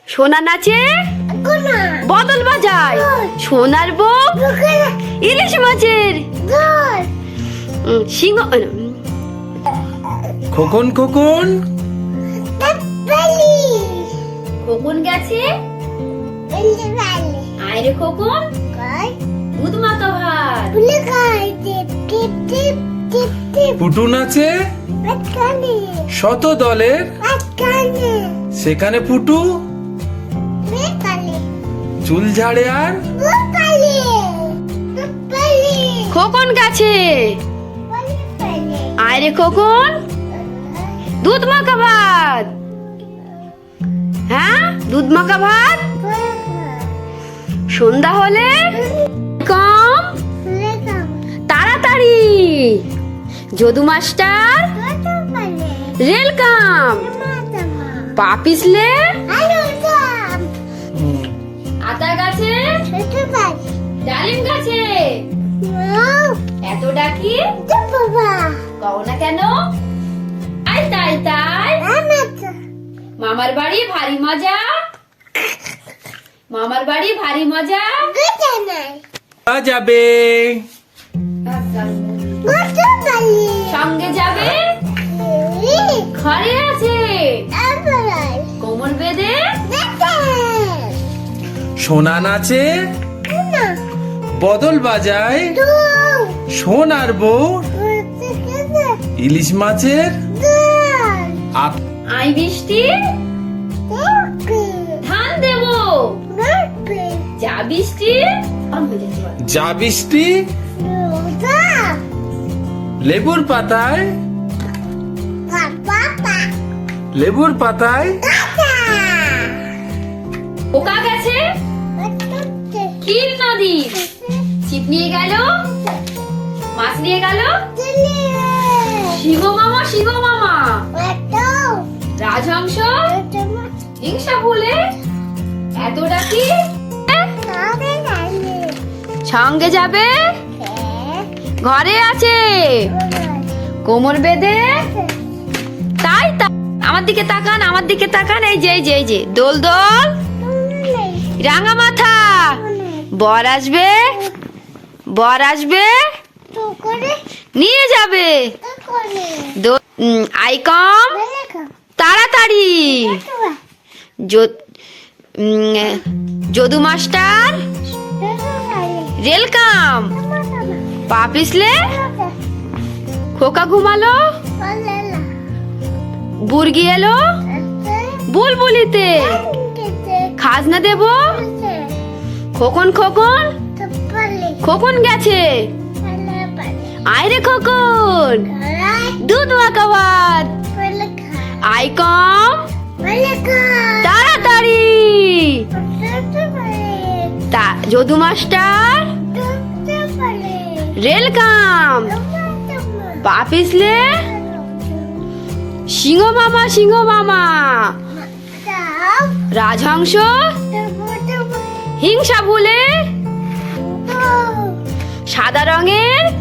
সোনা নাচে বদল বাজায়, সোনার বউ ইলিশ মাছের সিংহ। খোকন খোকন খোকন গেছে আয়রে খোকন দুধ মাখা ভাত। পুটু নাচে শত দলের, সেখানে পুটু চুল ঝাড়ে আর খোকন গেছে আয়রে খোকন দুধ মাখা ভাত। হ্যাঁ, দুধ মাখা ভাত। সন্ধ্যা হলে কম তাড়াতাড়ি যদু মাস্টার রেল কাম, পা পিছলে আতা গাছে ডালিম গাছে। এত ডাকি কও না কেন? আই তাই তাই মামার বাড়ি ভারী মজা, মামার বাড়ি ভারী মজা। যাবে সঙ্গে যাবে ঘরে আছে কোমর বেঁধে। সোনা নাচে বদল বাজায়, সোনার বউ ইলিশ মাছের আই বৃষ্টি ধান দেব, যা বৃষ্টি যা বৃষ্টি লেবুর পাতায়, লেবুর পাতায় পোকা গেছে ক্ষীর নদী, ছিপ নিয়ে গেল মাছ নিয়ে গেল শিব মামা, শিব মামা রাজহংস হিংসা বলে এত ডাকি সঙ্গে যাবে ঘরে আছে কোমর বেঁধে। তাই আমার দিকে তাকান, আমার দিকে তাকান। এই যে এই যে এই যে দোল দোল রাঙা মাথা, বর আসবে, বর আসবে নিয়ে যাবে। আই কম তাড়াতাড়ি যদু মাস্টার রেল কাম, পা পিছলে খোকা ঘুমালো, বুর্গি এলো বুলবুলিতে খাজনা দেব। খোকন খোকন খোকন গেছে আয়রে খোকন দুধ মাখা ভাত। আই কম তাড়াতাড়ি যদু মাস্টার রেল কাম, পা পিছলে সিংহ মামা, সিংহ মামা রাজহংস হিংসা ভুলে সাদা রঙের